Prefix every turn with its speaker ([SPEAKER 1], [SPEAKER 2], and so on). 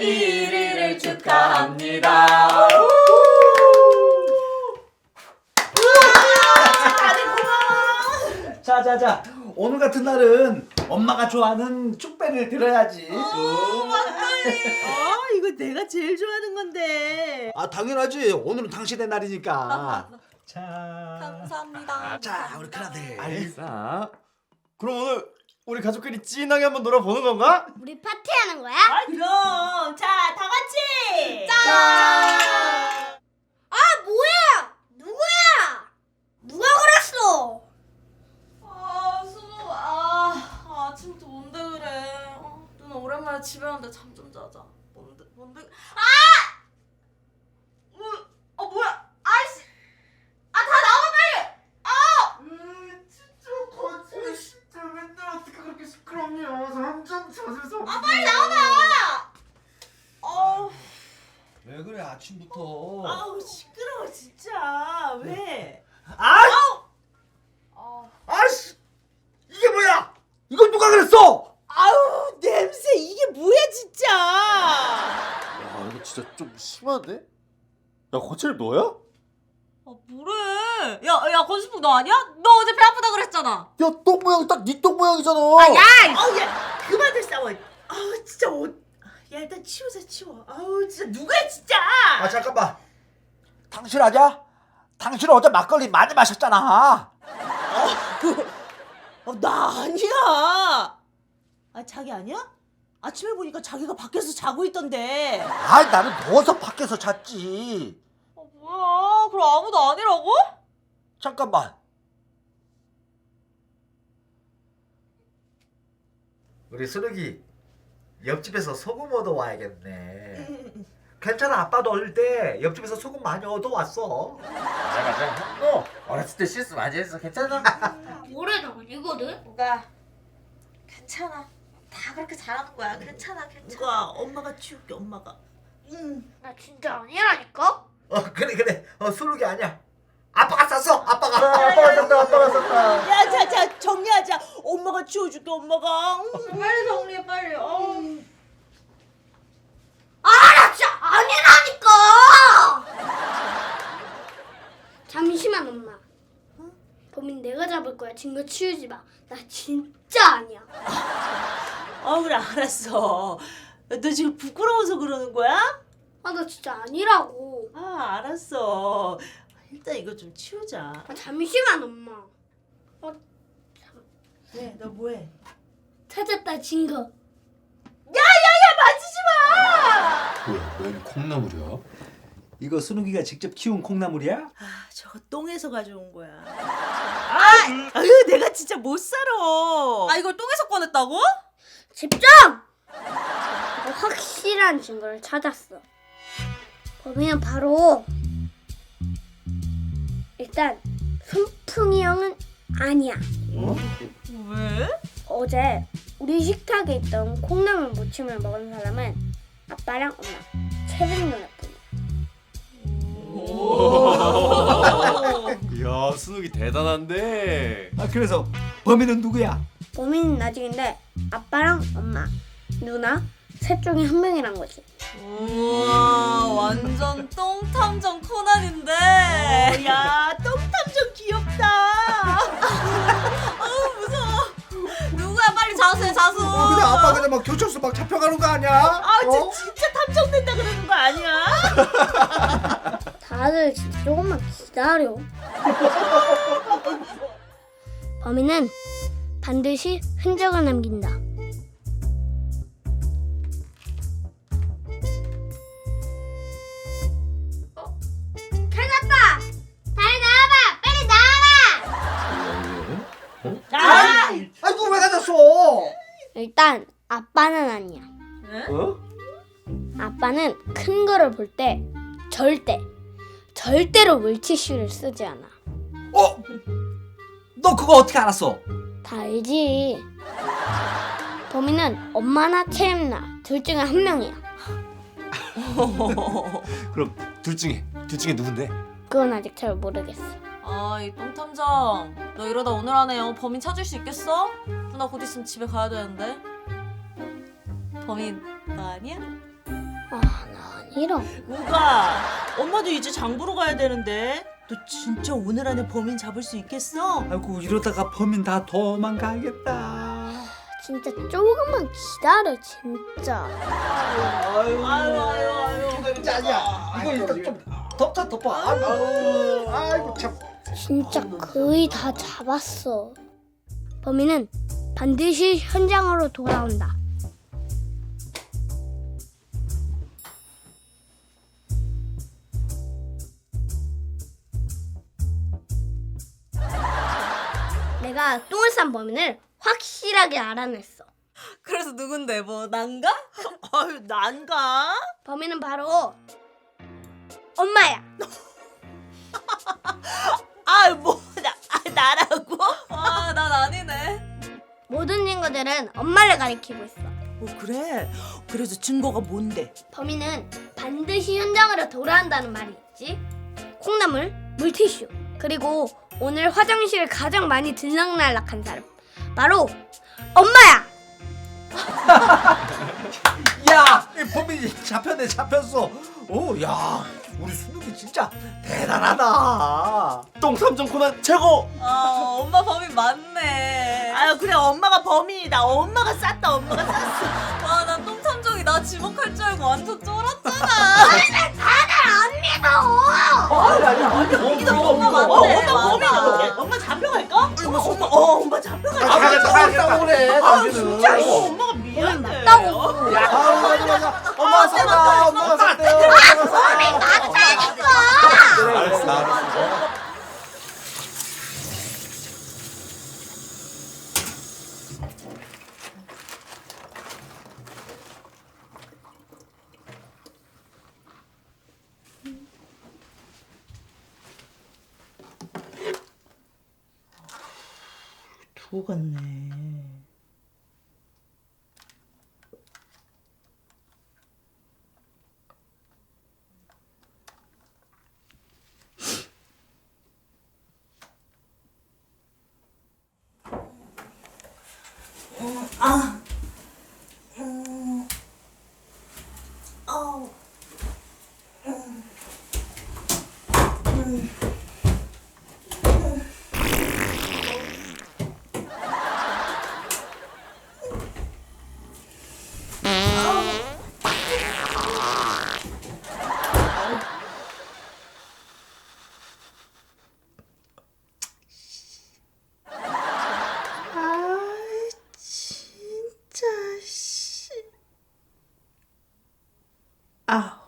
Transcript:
[SPEAKER 1] 생일 1일을 축하합니다.
[SPEAKER 2] 자자자, 오늘 같은 날은 엄마가 좋아하는 축배를 들어야지.
[SPEAKER 3] 이거 내가 제일 좋아하는 건데.
[SPEAKER 2] 아 당연하지. 오늘은 당신의 날이니까. 자.
[SPEAKER 1] 감사합니다.
[SPEAKER 2] 자, 우리 큰아들.
[SPEAKER 4] 알겠어. 그럼 오늘 우리 가족끼리 찐하게 한번 놀아보는 건가?
[SPEAKER 5] 우리 파티하는 거야?
[SPEAKER 3] 그럼. 자, 다 같이.
[SPEAKER 5] 짠! 아, 뭐야? 누구야? 누가 그랬어?
[SPEAKER 1] 수호, 아침부터 뭔데 그래? 누나 오랜만에 집에 왔는데 잠 좀 자자. 뭔데? 뭐야? 아이씨! 다 나와 빨리!
[SPEAKER 4] 진짜 거짓말 진짜 맨날 어떻게 그렇게 시끄럽냐? 완전 자세서.
[SPEAKER 1] 빨리 나와봐!
[SPEAKER 2] 왜 그래 아침부터?
[SPEAKER 3] 아우, 시끄러워 진짜. 왜?
[SPEAKER 2] 아씨, 이게 뭐야? 이걸 누가 그랬어?
[SPEAKER 3] 아우, 냄새. 이게 뭐야 진짜.
[SPEAKER 4] 야 이거 진짜 좀 심한데? 야 거칠 너야?
[SPEAKER 1] 뭐래? 야, 건수풍 너 아니야? 너 어제 배 아프다 그랬잖아.
[SPEAKER 4] 야 똥 모양 딱 네 똥 모양이잖아.
[SPEAKER 3] 아우, 야, 그만들 싸워. 아우, 진짜 야, 일단 치워. 아우, 진짜 누구야 진짜.
[SPEAKER 2] 아 잠깐만. 당신 아냐? 당신 어제 막걸리 많이 마셨잖아.
[SPEAKER 3] 나 아니야. 자기 아니야? 아침에 보니까 자기가 밖에서 자고 있던데.
[SPEAKER 2] 아 나는 더워서 밖에서 잤지.
[SPEAKER 1] 뭐야? 그럼 아무도 아니라고?
[SPEAKER 2] 잠깐만. 우리 순욱이 옆집에서 소금 얻어 와야겠네. 괜찮아, 아빠도 어릴 때 옆집에서 소금 많이 얻어 왔어.
[SPEAKER 4] 맞아. 형도 어렸을 때 실수 많이 했어. 괜찮아?
[SPEAKER 5] 모래도 아니거든?
[SPEAKER 1] 뭐가? 괜찮아. 다 그렇게 잘하는 거야. 괜찮아.
[SPEAKER 3] 누가 엄마가 치울게 엄마가.
[SPEAKER 5] 나 진짜 아니라니까?
[SPEAKER 2] 그래. 순욱이 아니야. 아빠가 쌌어. 아빠가 쌌다.
[SPEAKER 3] 야, 자, 정리하자. 엄마가 치워줄게 엄마가.
[SPEAKER 1] 빨리 정리해 빨리.
[SPEAKER 5] 나 진짜 아니라니까! 잠시만 엄마. 범인 내가 잡을 거야. 증거 치우지 마. 나 진짜 아니야.
[SPEAKER 3] 그래 알았어. 너 지금 부끄러워서 그러는 거야?
[SPEAKER 5] 나 진짜 아니라고.
[SPEAKER 3] 알았어. 일단 이거 좀 치우자.
[SPEAKER 5] 잠시만 엄마.
[SPEAKER 3] 왜? 너 뭐해?
[SPEAKER 5] 찾았다 증거.
[SPEAKER 3] 만지지 마!
[SPEAKER 4] 뭐야? 웬 콩나물이야?
[SPEAKER 2] 이거 순욱이가 직접 키운 콩나물이야?
[SPEAKER 3] 저거 똥에서 가져온 거야. 아유, 내가 진짜 못 살아.
[SPEAKER 1] 이걸 똥에서 꺼냈다고?
[SPEAKER 5] 집중! 내가 확실한 증거를 찾았어. 범인은 바로 일단 손풍이 형은 아니야.
[SPEAKER 1] 왜?
[SPEAKER 5] 어제 우리 식탁에 있던 콩나물 무침을 먹은 사람은 아빠랑 엄마, 채빈 누나뿐이야.
[SPEAKER 4] 이야 순욱이 대단한데.
[SPEAKER 2] 그래서 범인은 누구야?
[SPEAKER 5] 범인은 나중인데 아빠랑 엄마, 누나 셋 중에 한 명이란 거지.
[SPEAKER 1] 우와, 완전 똥탐정 코난인데.
[SPEAKER 3] 야, 똥탐정 귀엽다.
[SPEAKER 1] 아우 무서워. 누구야? 빨리 자수해 자수.
[SPEAKER 2] 근데 아빠 그냥 막 교철소 막 잡혀가는 거 아니야?
[SPEAKER 3] 진짜 탐정된다 그러는 거 아니야?
[SPEAKER 5] 다들 진짜 조금만 기다려. 범인은 반드시 흔적을 남긴다. 찾았다! 다리 나와봐! 빨리 나와봐!
[SPEAKER 2] 아이고 왜 가졌어?
[SPEAKER 5] 일단 아빠는 아니야. 아빠는 큰 거를 볼 때 절대로 물티슈를 쓰지 않아.
[SPEAKER 2] 너 그거 어떻게 알았어?
[SPEAKER 5] 다 알지. 범인은 엄마나 채림나 둘 중에 한 명이야.
[SPEAKER 4] 그럼 둘 중에 누군데?
[SPEAKER 5] 그건 아직 잘 모르겠어.
[SPEAKER 1] 이 똥탐정. 너 이러다 오늘 안에 범인 찾을 수 있겠어? 누나 곧 있으면 집에 가야 되는데. 범인 너 아니야?
[SPEAKER 5] 나 아니라.
[SPEAKER 3] 우가, 엄마도 이제 장 보러 가야 되는데 너 진짜 오늘 안에 범인 잡을 수 있겠어?
[SPEAKER 4] 아이고 이러다가 범인 다 도망가겠다.
[SPEAKER 5] 진짜 조금만 기다려 진짜.
[SPEAKER 3] 아유.
[SPEAKER 2] 짜냐? 이거 일단 좀 덮어. 아이고 참.
[SPEAKER 5] 진짜 거의 다 잡았어. 범인은 반드시 현장으로 돌아온다. 내가 똥을 싼 범인을 확실하게 알아냈어.
[SPEAKER 1] 그래서 누군데? 뭐 난가?
[SPEAKER 3] 아유, 난가?
[SPEAKER 5] 범인은 바로 엄마야.
[SPEAKER 3] 나라고?
[SPEAKER 1] 아, 난 아니네.
[SPEAKER 5] 모든 친구들은 엄마를 가리키고 있어.
[SPEAKER 3] 그래? 그래서 증거가 뭔데?
[SPEAKER 5] 범인은 반드시 현장으로 돌아온다는 말이 있지. 콩나물, 물티슈, 그리고 오늘 화장실 가장 많이 들락날락한 사람 바로 엄마야.
[SPEAKER 2] 야, 이 범인이 잡혔어. 오, 야, 우리 순욱이 진짜 대단하다.
[SPEAKER 4] 똥탐정 코난 최고.
[SPEAKER 1] 아, 엄마 범인 맞네.
[SPEAKER 3] 아유, 그래, 엄마가 범인이다. 엄마가 쌌다. 엄마가 쌌어.
[SPEAKER 1] 와, 난 똥탐정이 나 지목할 줄 알고 완전 쫄았잖아.
[SPEAKER 3] 이거
[SPEAKER 1] 엄마 맞네.
[SPEAKER 3] 엄마 범인
[SPEAKER 1] 맞아.
[SPEAKER 3] 어떻게? 엄마 잡혀갈까? 엄마 잡혀갈까?
[SPEAKER 2] 가겠다 그래.
[SPEAKER 3] 진짜 엄마가 미안해.
[SPEAKER 5] 맞다고.
[SPEAKER 2] 엄마가 쌌다. 엄마가 쌌대요.
[SPEAKER 4] 알았어.
[SPEAKER 3] 두고 갔네. 진짜 씨. 아.